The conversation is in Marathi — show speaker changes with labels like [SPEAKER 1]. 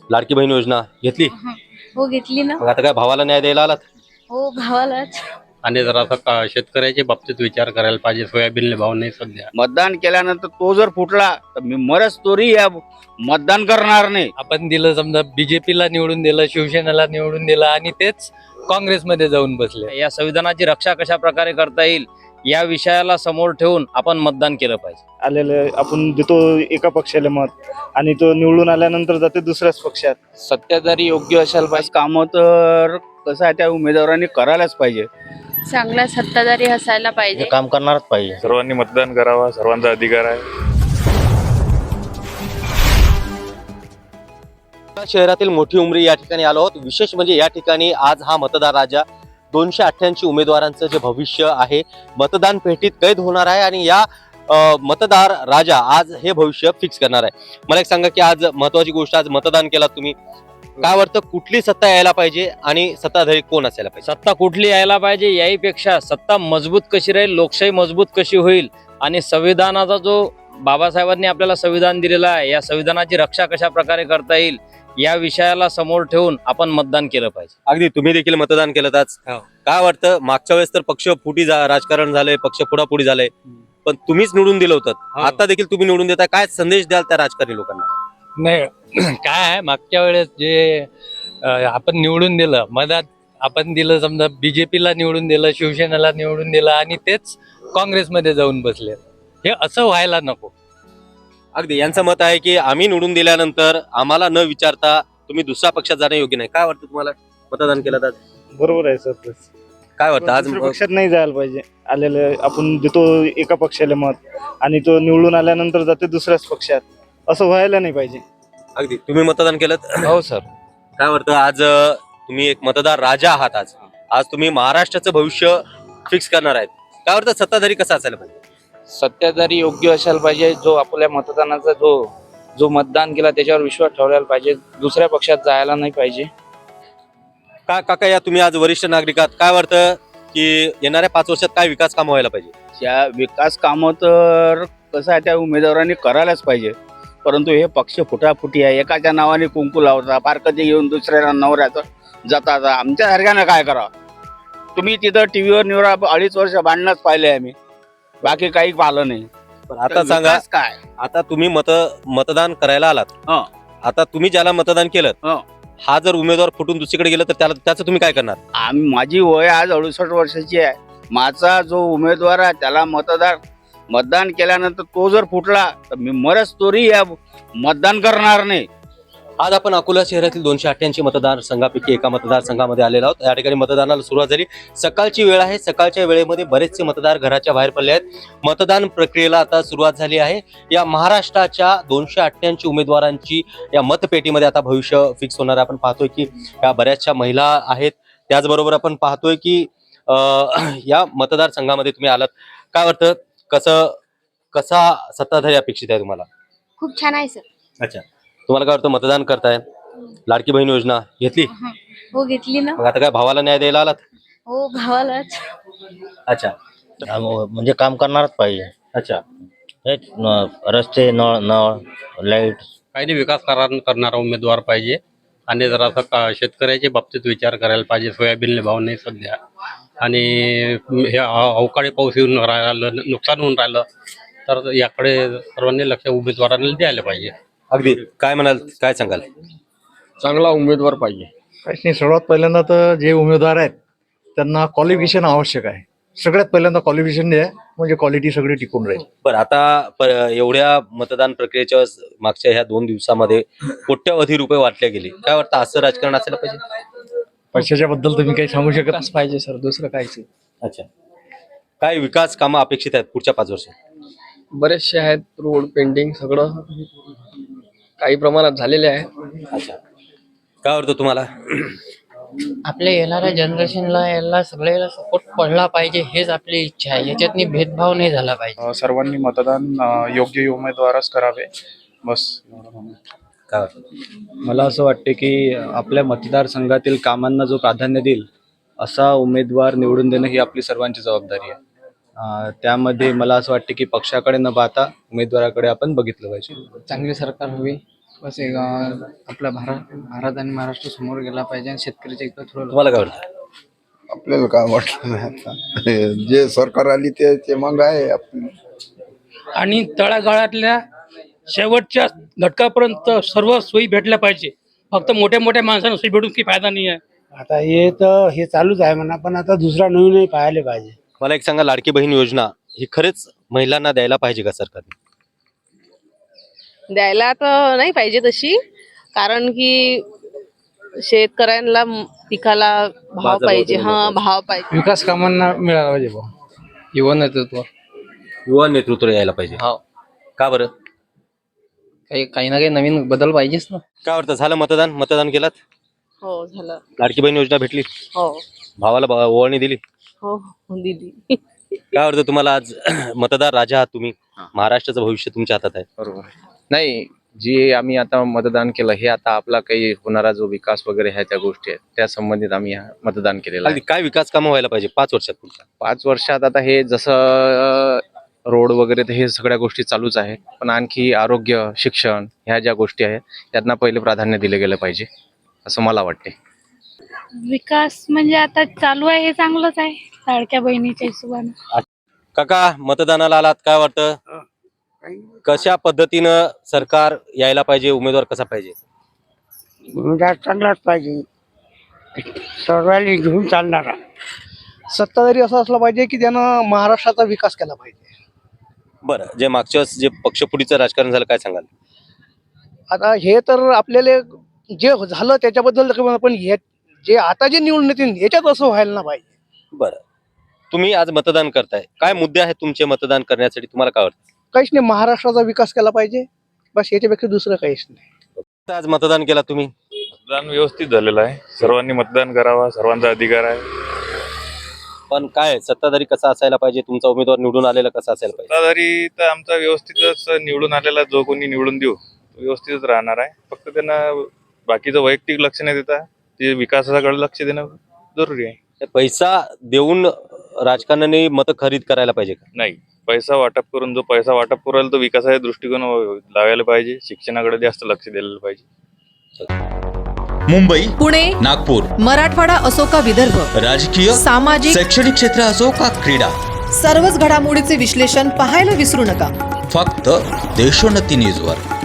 [SPEAKER 1] लाडकी बहीण योजना घेतली?
[SPEAKER 2] हो घेतली ना.
[SPEAKER 1] मग आता काय भावाला न्याय द्यायला आलात?
[SPEAKER 2] हो भावालाच.
[SPEAKER 3] आणि जर आता शेतकऱ्याच्या बाबतीत विचार करायला पाहिजे. सोयाबीनले भाव नाही सध्या.
[SPEAKER 4] मतदान केल्यानंतर तो जर फुटला तर मी मरच तोरी या मतदान करणार नाही.
[SPEAKER 5] आपण दिलं, समजा बीजेपीला निवडून दिलं, शिवसेनेला निवडून दिलं आणि तेच काँग्रेसमध्ये जाऊन बसले.
[SPEAKER 6] या संविधानाची रक्षा कशा प्रकारे करता येईल या विषयाला समोर ठेवून आपण मतदान केलं पाहिजे.
[SPEAKER 7] आलेले आपण देतो एका पक्षाला मत आणि तो निवडून आल्यानंतर जाते दुसऱ्याच पक्षात.
[SPEAKER 6] सत्ताधारी योग्य असायला पाहिजे.
[SPEAKER 4] कामं तर कसं आहे त्या उमेदवारांनी करायलाच पाहिजे.
[SPEAKER 2] चांगला सत्ताधारी असायला पाहिजे.
[SPEAKER 6] काम करणारच पाहिजे.
[SPEAKER 8] सर्वांनी मतदान करावा, सर्वांचा अधिकार आहे.
[SPEAKER 1] शहरातील मोठी उमरी या ठिकाणी आलो आहोत. विशेष म्हणजे या ठिकाणी आज हा मतदार राजा 288 उमेदवारांचं जे भविष्य आहे मतदान पेटीत कैद होणार आहे आणि या मतदार राजा आज हे भविष्य फिक्स करणार आहे. मला एक सांगा की आज महत्वाची गोष्ट, आज मतदान केला तुम्ही, काय वाटतं कुठली सत्ता यायला पाहिजे आणि सत्ताधारी कोण असायला पाहिजे?
[SPEAKER 6] सत्ता कुठली यायला पाहिजे याहीपेक्षा सत्ता मजबूत कशी राहील, लोकशाही मजबूत कशी होईल आणि संविधानाचा जो बाबासाहेबांनी आपल्याला संविधान दिलेलं आहे या संविधानाची रक्षा कशा प्रकारे करता येईल या विषयाला समोर ठेवून आपण मतदान केलं पाहिजे.
[SPEAKER 1] अगदी तुम्ही देखील मतदान केलं आज. काय वाटतं मागच्या वेळेस तर पक्ष फुटी राजकारण झालंय, पक्ष पुढापुढी झालंय, पण तुम्हीच निवडून दिलं होतं, आता देखील तुम्ही निवडून देता, काय संदेश द्याल त्या राजकारणी लोकांना?
[SPEAKER 5] नाही काय आहे, मागच्या वेळेस जे आपण निवडून दिलं, मधात आपण दिलं, समजा बीजेपीला निवडून दिलं, शिवसेनेला निवडून दिलं आणि तेच काँग्रेसमध्ये जाऊन बसले. हे असं व्हायला नको.
[SPEAKER 1] अगदी यांचं मत आहे की आम्ही निवडून दिल्यानंतर आम्हाला न विचारता तुम्ही दुसऱ्या पक्षात जाणं योग्य नाही. काय वाटतं तुम्हाला मतदान केलं तर?
[SPEAKER 7] बरोबर आहे सर.
[SPEAKER 1] काय वाटतं आज
[SPEAKER 7] दुसऱ्या पक्षात नाही जायला पाहिजे. आलेले आपण देतो एका पक्षाला मत आणि तो निवडून आल्यानंतर जाते दुसऱ्याच पक्षात. असं व्हायला नाही पाहिजे.
[SPEAKER 1] अगदी तुम्ही मतदान केलं?
[SPEAKER 6] हो सर.
[SPEAKER 1] काय वाटतं आज तुम्ही एक मतदार राजा आहात, आज तुम्ही महाराष्ट्राचं भविष्य फिक्स करणार आहेत, काय वाटतं सत्ताधारी कसा असायला पाहिजे?
[SPEAKER 6] सत्ताधारी योग्य असायला पाहिजे. जो आपल्या मतदानाचा जो मतदान केला त्याच्यावर विश्वास ठेवायला पाहिजे. दुसऱ्या पक्षात जायला नाही पाहिजे.
[SPEAKER 1] का काका या तुम्ही आज वरिष्ठ नागरिक आहात, काय वाटतं की येणाऱ्या 5 वर्षात काय विकास कामं व्हायला पाहिजे?
[SPEAKER 4] या विकास कामं तर कसं आहे त्या उमेदवारांनी करायलाच पाहिजे. परंतु हे पक्ष फुटाफुटी आहे. एकाच्या नावाने कुंकू लावता, पारकती घेऊन दुसऱ्या नवऱ्याचं जाता. आमच्यासारख्यानं काय करावं? तुम्ही तिथं टीव्हीवर निवडा 2.5 वर्ष भांडणच पाहिले आम्ही, बाकी काही पाहिलं नाही.
[SPEAKER 1] पण आता सांगा,
[SPEAKER 4] विकास काय?
[SPEAKER 1] आता तुम्ही मतदान करायला आलात, आता तुम्ही ज्याला मतदान केलं हा जर उमेदवार फुटून दुसरीकडे गेला तर त्याचं तुम्ही काय करणार?
[SPEAKER 4] माझी वय आज 68 वर्षाची आहे. माझा जो उमेदवार आहे त्याला मतदान केल्यानंतर तो जर फुटला तर मी मरच तोरी या मतदान करणार नाही.
[SPEAKER 1] आज आपण अकोला शहरातील 288 मतदारसंघापैकी एका मतदारसंघामध्ये आलेलो आहोत. या ठिकाणी मतदानाला सुरुवात झाली. सकाळची वेळ आहे. सकाळच्या वेळेमध्ये बरेचसे मतदार घराच्या बाहेर पडले आहेत. मतदान प्रक्रियेला आता सुरुवात झाली आहे. या महाराष्ट्राच्या 288 उमेदवारांची या मतपेटीमध्ये आता भविष्य फिक्स होणार. आपण पाहतोय की या बऱ्याचशा महिला आहेत. त्याचबरोबर आपण पाहतोय की या मतदारसंघामध्ये तुम्ही आलात, काय वाटतं कसा सत्ताधारी अपेक्षित आहे तुम्हाला?
[SPEAKER 2] खूप छान आहे सर.
[SPEAKER 1] अच्छा, तुम्हाला काय वाटतं मतदान करताय? लाडकी बहीण योजना घेतली?
[SPEAKER 2] हो घेतली ना.
[SPEAKER 1] मग आता काय भावाला न्याय द्यायला आलात?
[SPEAKER 2] हो भावालाच.
[SPEAKER 1] अच्छा,
[SPEAKER 6] म्हणजे काम करणारच पाहिजे.
[SPEAKER 1] अच्छा.
[SPEAKER 6] रस्ते, नळ, लाईट,
[SPEAKER 3] काही नाही, विकास करणारा उमेदवार पाहिजे. आणि जर असं शेतकऱ्याच्या बाबतीत विचार करायला पाहिजे. सोयाबीनले भाव नाही सध्या आणि हे अवकाळी पाऊस येऊन राहिलं, नुकसान होऊन राहिलं, तर याकडे सर्वांनी लक्ष उमेदवारांना द्यायला पाहिजे.
[SPEAKER 1] अगदी काय म्हणाल, काय सांगाल?
[SPEAKER 3] चांगला उमेदवार पाहिजे.
[SPEAKER 9] काहीच नाही. सर्वात पहिल्यांदा तर जे उमेदवार आहेत त्यांना क्वालिफिकेशन आवश्यक आहे. सगळ्यात पहिल्यांदा क्वालिफिकेशन द्या, म्हणजे क्वालिटी सगळी टिकून राहील.
[SPEAKER 1] बरं, आता एवढ्या मतदान प्रक्रियेच्या मागच्या ह्या 2 दिवसामध्ये कोट्यवधी रुपये वाटले गेले, काय वाटतं असं राजकारण असायला पाहिजे?
[SPEAKER 9] पैशाच्या बद्दल तुम्ही काही सांगू शकत नाही.
[SPEAKER 5] पाहिजे सर, दुसरं काहीच.
[SPEAKER 1] अच्छा, काय विकास कामं अपेक्षित आहेत पुढच्या 5 वर्षात?
[SPEAKER 10] बरेचसे आहेत. रोड, पेंटिंग सगळं काही प्रमाणात झालेले आहे.
[SPEAKER 1] अच्छा, काय वाटतं तुम्हाला?
[SPEAKER 11] आपल्या येणाऱ्या जनरेशनला याला सगळ्याला सपोर्ट पडला पाहिजे, हेच आपली इच्छा आहे. याच्यातनी भेदभाव नाही झाला पाहिजे.
[SPEAKER 8] सर्वांनी मतदान योग्य उमेदवारच करावे, बस.
[SPEAKER 1] काय वाटतं?
[SPEAKER 12] मला असं वाटते की आपल्या मतदारसंघातील कामांना जो प्राधान्य देईल असा उमेदवार निवडून देणं ही आपली सर्वांची जबाबदारी आहे. त्यामध्ये मला असं वाटते की पक्षाकडे न पाहता उमेदवाराकडे आपण बघितलं पाहिजे.
[SPEAKER 10] चांगली सरकार हवी.
[SPEAKER 11] बस एक आपला भारत आणि महाराष्ट्र समोर गेला पाहिजे आणि शेतकऱ्याच्या इकडे थोडं
[SPEAKER 1] तुम्हाला काय वाटतं?
[SPEAKER 13] आपल्याला काय वाटलं नाही आता जे सरकार आली ते मग आहे आपली.
[SPEAKER 10] आणि तळागाळातल्या शेवटच्या घटकापर्यंत सर्व सोयी भेटल्या पाहिजे. फक्त मोठ्या मोठ्या माणसांना सोयी भेटून काही फायदा नाही आहे.
[SPEAKER 7] आता हे तर हे चालूच आहे म्हणा, पण आता दुसरा नवीनही पाहायला पाहिजे.
[SPEAKER 1] मला एक सांगा, लाडकी बहीण योजना ही खरंच महिलांना द्यायला पाहिजे का सरकारने?
[SPEAKER 2] द्यायला तर नाही पाहिजे तशी, कारण की शेतकऱ्यांना पिकाला भाव
[SPEAKER 1] बाजारभाव
[SPEAKER 2] पाहिजे.
[SPEAKER 1] दिला
[SPEAKER 2] हा,
[SPEAKER 1] पाहिजे.
[SPEAKER 2] भाव पाहिजे.
[SPEAKER 7] विकास कामांना मिळाला पाहिजे भाऊ.
[SPEAKER 10] युवा नेतृत्व
[SPEAKER 1] युवा नेतृत्व यायला पाहिजे.
[SPEAKER 10] हो.
[SPEAKER 1] का बरं?
[SPEAKER 10] काही ना काही नवीन बदल पाहिजेच ना.
[SPEAKER 1] काय वाटतं, झालं मतदान केलं?
[SPEAKER 2] हो, झालं.
[SPEAKER 1] लाडकी बहीण योजना भेटली?
[SPEAKER 2] हो
[SPEAKER 1] भावाला ओवाळणी दिली?
[SPEAKER 2] हो दिली.
[SPEAKER 1] काय वाटतं तुम्हाला? आज मतदार राजा आहात तुम्ही, महाराष्ट्राचं भविष्य तुमच्या हातात आहे.
[SPEAKER 12] बरोबर. नाही, जे आम्ही आता मतदान केलं हे आता आपला काही होणारा जो विकास वगैरे आहे त्या गोष्टी आहेत त्या संबंधित आम्ही मतदान केलेलं आहे.
[SPEAKER 1] अगदी काय विकास कामं व्हायला पाहिजे 5 वर्षात पुढच्या?
[SPEAKER 12] 5 वर्षात आता हे जसं रोड वगैरे तर हे सगळ्या गोष्टी चालूच आहे, पण आणखी आरोग्य, शिक्षण ह्या ज्या गोष्टी आहेत त्यांना पहिले प्राधान्य दिले गेलं पाहिजे असं मला वाटते.
[SPEAKER 2] विकास म्हणजे आता चालू आहे हे चांगलंच आहे, लाडक्या बहिणीच्या हिशोबाने.
[SPEAKER 1] काका, मतदानाला आलात, काय वाटतं? कशा पद्धतीनं सरकार यायला पाहिजे, उमेदवार कसा पाहिजे?
[SPEAKER 7] चांगलाच पाहिजे, सर्वांनी घेऊन चालणारा सत्ताधारी असा असला पाहिजे की त्यानं महाराष्ट्राचा विकास केला पाहिजे.
[SPEAKER 1] बरं, जे मागच्या वेळेस जे पक्षफुटीचं राजकारण झालं, काय सांगाल?
[SPEAKER 7] आता हे तर आपल्याला जे झालं त्याच्याबद्दल पण हे जे आता जे निवडून येतील याच्यात असं व्हायला ना पाहिजे.
[SPEAKER 1] बरं, तुम्ही आज मतदान करताय, काय मुद्दे आहेत तुमचे मतदान करण्यासाठी? तुम्हाला काय वाटतं?
[SPEAKER 7] काहीच नाही, महाराष्ट्राचा विकास केला पाहिजे, बस याच्यापेक्षा दुसरं काहीच नाही.
[SPEAKER 1] आज मतदान केला तुम्ही?
[SPEAKER 8] मतदान व्यवस्थित झालेलं आहे. सर्वांनी मतदान करावा, सर्वांचा अधिकार आहे.
[SPEAKER 1] पण काय सत्ताधारी कसा असायला पाहिजे? तुमचा उमेदवार निवडून आलेला कसा असायला पाहिजे?
[SPEAKER 8] सत्ताधारी तर आमचा व्यवस्थितच निवडून आलेला जो कोणी निवडून देऊ तो व्यवस्थितच राहणार आहे. फक्त त्यांना बाकीचं वैयक्तिक लक्ष न देता ते विकासाकडे लक्ष देणं जरुरी आहे.
[SPEAKER 1] पैसा देऊन राजकारणाने मतं खरीद करायला पाहिजे का?
[SPEAKER 8] नाही, पैसा वाटप करून जो पैसा वाटप करेल तो विकासाच्या दृष्टिकोन लावायला पाहिजे. शिक्षणाकडे जास्त लक्ष दिलेलं पाहिजे.
[SPEAKER 14] मुंबई,
[SPEAKER 15] पुणे,
[SPEAKER 14] नागपूर,
[SPEAKER 15] मराठवाडा असो का विदर्भ,
[SPEAKER 14] राजकीय,
[SPEAKER 15] सामाजिक,
[SPEAKER 14] शैक्षणिक क्षेत्र असो का क्रीडा,
[SPEAKER 15] सर्वच घडामोडीचे विश्लेषण पाहायला विसरू नका.
[SPEAKER 14] फक्त देशोन्नती न्यूजवर.